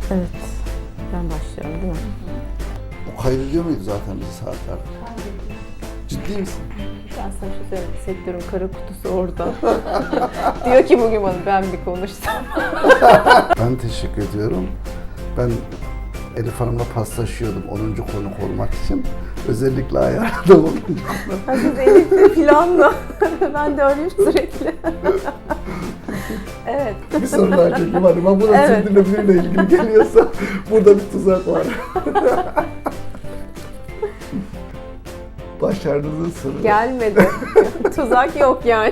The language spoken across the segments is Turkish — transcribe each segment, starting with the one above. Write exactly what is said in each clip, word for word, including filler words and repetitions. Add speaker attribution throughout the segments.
Speaker 1: Evet. Ben başlıyorum değil mi?
Speaker 2: O kaydediyor muydu zaten bizi saatler? Ciddi misin?
Speaker 1: Ben sana bir şey söyleyeyim. Sektörün kara kutusu orada. Diyor ki bugün bana ben bir konuşsam.
Speaker 2: Ben teşekkür ediyorum. Ben Elif Hanım'la paslaşıyordum onuncu konuk olmak için. Özellikle ayarladım onuncu konuk.
Speaker 1: Ha, siz Elif'le planla. Ben de öyleyim sürekli. Evet.
Speaker 2: Bir soru daha çekeyim hadi. Ben buna
Speaker 1: Evet.
Speaker 2: sürdürülebilirle ilgili geliyorsa burada bir tuzak var. Başardığınız soru.
Speaker 1: Gelmedi. Tuzak yok yani.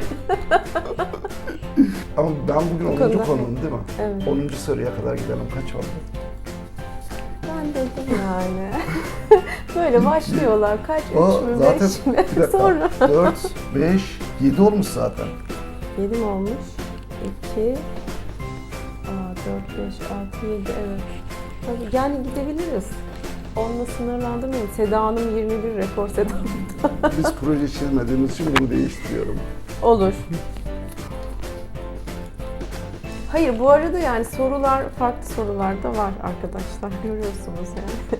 Speaker 2: Ama ben bugün onuncu
Speaker 1: konuda-
Speaker 2: konuğum değil mi?
Speaker 1: Evet.
Speaker 2: onuncu soruya kadar gidelim. Kaç oldu?
Speaker 1: Ben dedim yani. Böyle başlıyorlar. Kaç?
Speaker 2: O
Speaker 1: Üç mü?
Speaker 2: zaten
Speaker 1: Beş mi?
Speaker 2: bir dakika.
Speaker 1: Sonra.
Speaker 2: dört, beş, yedi olmuş zaten.
Speaker 1: Yedi mi olmuş? İki. Aa, dört, beş, altı, yedi. Evet. Tabii yani gidebiliriz. Onunla sınırlandırmayalım. Seda Hanım yirmi bir rekor Seda Hanım'da.
Speaker 2: Biz proje çizmediğimiz için bunu değiştiriyorum.
Speaker 1: Olur. Hayır bu arada yani sorular, farklı sorular da var arkadaşlar. Görüyorsunuz yani.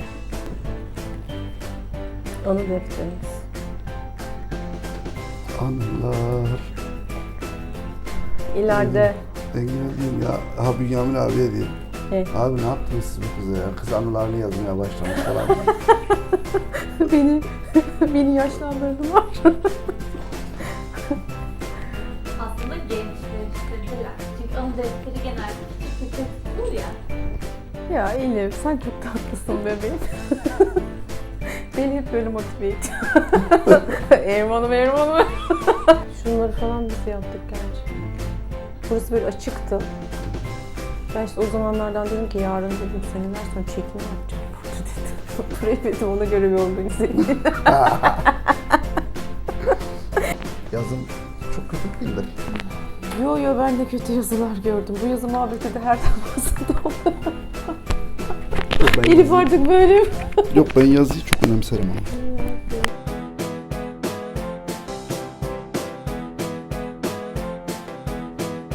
Speaker 1: Anı defterimiz.
Speaker 2: Anılar.
Speaker 1: İleride
Speaker 2: Engin diyeyim ya. Ha Bünyamin abiye diyeyim.
Speaker 1: Hey.
Speaker 2: Abi ne yaptınız siz bu kıza ya? Kız anılarını yazmaya başlamış falan.
Speaker 1: beni beni yaşlandırdılar.
Speaker 3: Aslında gençleştirdiler. Çünkü anı defteri genelde küçük bir tek olur ya.
Speaker 1: Ya Elif sen çok tatlısın bebeğim. Beni hep böyle motive et. Erman'ım Erman'ım. Şunları falan biz yaptık gerçi. Burası böyle açıktı. Ben işte o zamanlardan dedim ki yarın dedim seneler sonra çekim yapacağım burada dedim. Burayı dedim ona göre bir organize edeyim.
Speaker 2: Yazım çok kötü değildir.
Speaker 1: Yo yo ben de kötü yazılar gördüm. Bu yazı muhabbeti de her defasında oldu.
Speaker 2: Yok, ben
Speaker 1: Elif
Speaker 2: yazıyı,
Speaker 1: artık böyle mi?
Speaker 2: yok ben yazıyı çok önemserim ama.